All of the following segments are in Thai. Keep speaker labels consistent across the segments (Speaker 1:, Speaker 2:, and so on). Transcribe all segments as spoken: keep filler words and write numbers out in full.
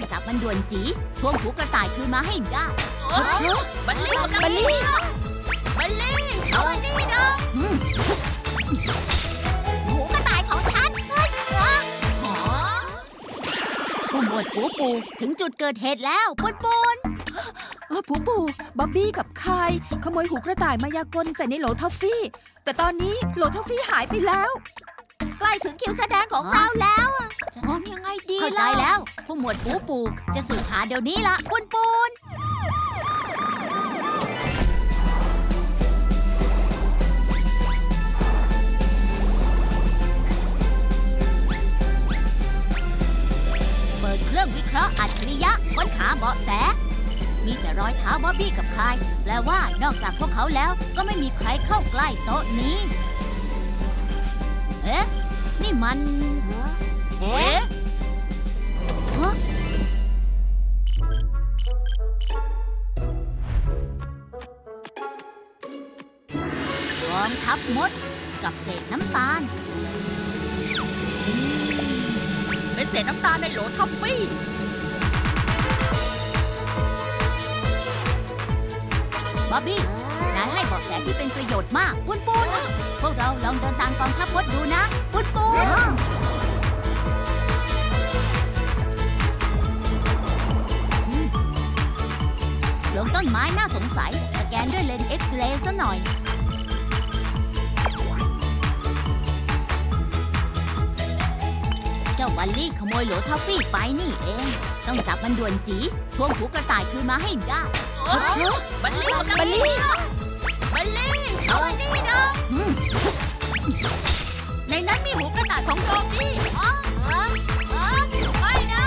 Speaker 1: จับมันด่วนจีทวงหูกระต่ายคืนมาให้ได้
Speaker 2: บัลลี่บัลลี่บัลลี่เอาอันนี้นะ
Speaker 1: อืม
Speaker 2: หูกระต่ายของฉันเฮ้ยเออหอ
Speaker 1: ผู้หมวดปูปูถึงจุดเกิดเหตุแล้วปุนปุน
Speaker 3: เออปูปูบ๊อบบี้กับคายขโมยหูกระต่ายมายากลใส่ในโหลทอฟฟี่ แต่ตอนนี้โหลทอฟฟี่หายไปแล้ว
Speaker 2: ใกล้ถึงคิวแสดงของเราแล้วอะจะทำยังไงดี
Speaker 1: เข้าใจ
Speaker 2: ล่ะ
Speaker 1: แล้ว ผู้หมวดปูปูจะสืบหาเดี๋ยวนี้ละปุนปุนเปิดเครื่องวิเคราะห์อัจฉริยะค้นหาเบาะแส มีแต่รอยเท้าบ๊อบบี้กับคายแปลว่านอกจากพวกเขาแล้วก็ไม่มีใครเข้าใกล้โต๊ะนี้ เอ๊ะ นี่มัน
Speaker 2: เอ๊ะ
Speaker 1: ฮะกองทัพมดกับเศษน้ำตาล
Speaker 2: เป็นเศษน้ำตาลในโหลท็อฟฟี่
Speaker 1: บ๊อบบี้ นายให้เบาะแสที่เป็นประโยชน์มาก ปุนปุนพวกเราลองเดินตามกองทัพมดดูนะ ปุนปุนลงต้นไม้น่าสงสัย สแกนด้วยเลนส์เอ็กซเรย์ซะหน่อย เจ้าบัลลี่ขโมยโหลทอฟฟี่ไปนี่เอง ต้องจับมันด่วนจีทวงหูกระต่ายคืนมาให้ได้
Speaker 2: บัลลี่บัลลี่บัลลี่เอาอันนี้นะ
Speaker 1: อืม
Speaker 2: ในนั้นมีหูกระต่ายของโดบี้อ๋ออ๋ออ๋อไม่นะ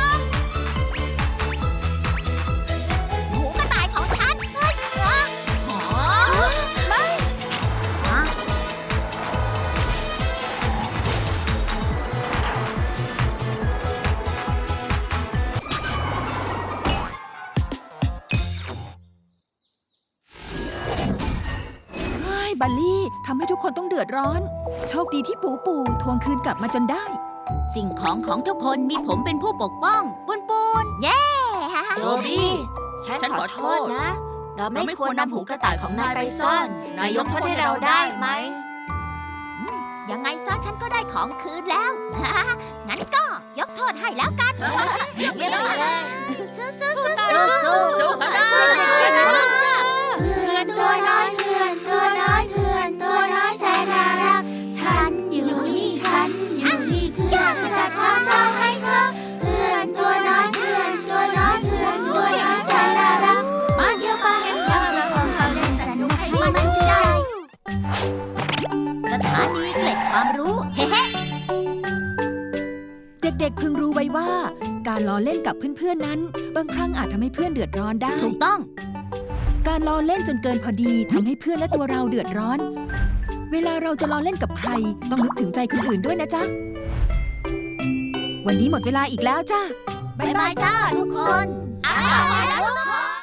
Speaker 2: หูกระต่ายของฉันเฮ้ยเออหอไม่
Speaker 1: ฮะ
Speaker 3: เฮ้ยบัลลี่ทำให้ทุกคนต้องเดือดร้อน โชคดีที่ปูปูทวงคืนกลับมาจนได้
Speaker 1: สิ่งของของทุกคนมีผมเป็นผู้ปกป้องปุนปุน
Speaker 2: โดบี้
Speaker 4: ฉันขอโทษนะ เราไม่ควรนำหูกระต่ายของนายไปซ่อน นายยกโทษให้เราได้ไหม
Speaker 2: ยังไงซะฉันก็ได้ของคืนแล้ว งั้นก็ยกโทษให้แล้วกันเยี่ยมเลยสู้สู้สู้สู้สู้กันได้
Speaker 4: เพื่อนตัวน้อยเพื่อนตัวน้อยเพื่อนตัวน้อยแสนน่ารัก ฉันอยู่นี่ฉันอยู่นี่เพื่อขจัดความเศร้าให้เธอ เพื่อนตัวน้อยเพื่อนตัวน้อยเพื่อนตัวน้อยแสนน่ารัก มาเที่ยวมาแห่งความสุขของเราเล่นสนุกให้มันใจ
Speaker 1: สถานีเกล็ดความรู้ เฮ้เฮ้
Speaker 3: เด็กๆพึงรู้ไว้ว่า การล้อเล่นกับเพื่อนๆนั้น บางครั้งอาจทำให้เพื่อนเดือดร้อนได้
Speaker 1: ถูกต้อง
Speaker 3: การล้อเล่นจนเกินพอดีทำให้เพื่อนและตัวเราเดือดร้อน เวลาเราจะล้อเล่นกับใคร ต้องนึกถึงใจคนอื่นด้วยนะจ๊ะ วันนี้หมดเวลาอีกแล้วจ้า
Speaker 1: บ๊ายบายจ้าทุกคน
Speaker 2: อ่าแล้ว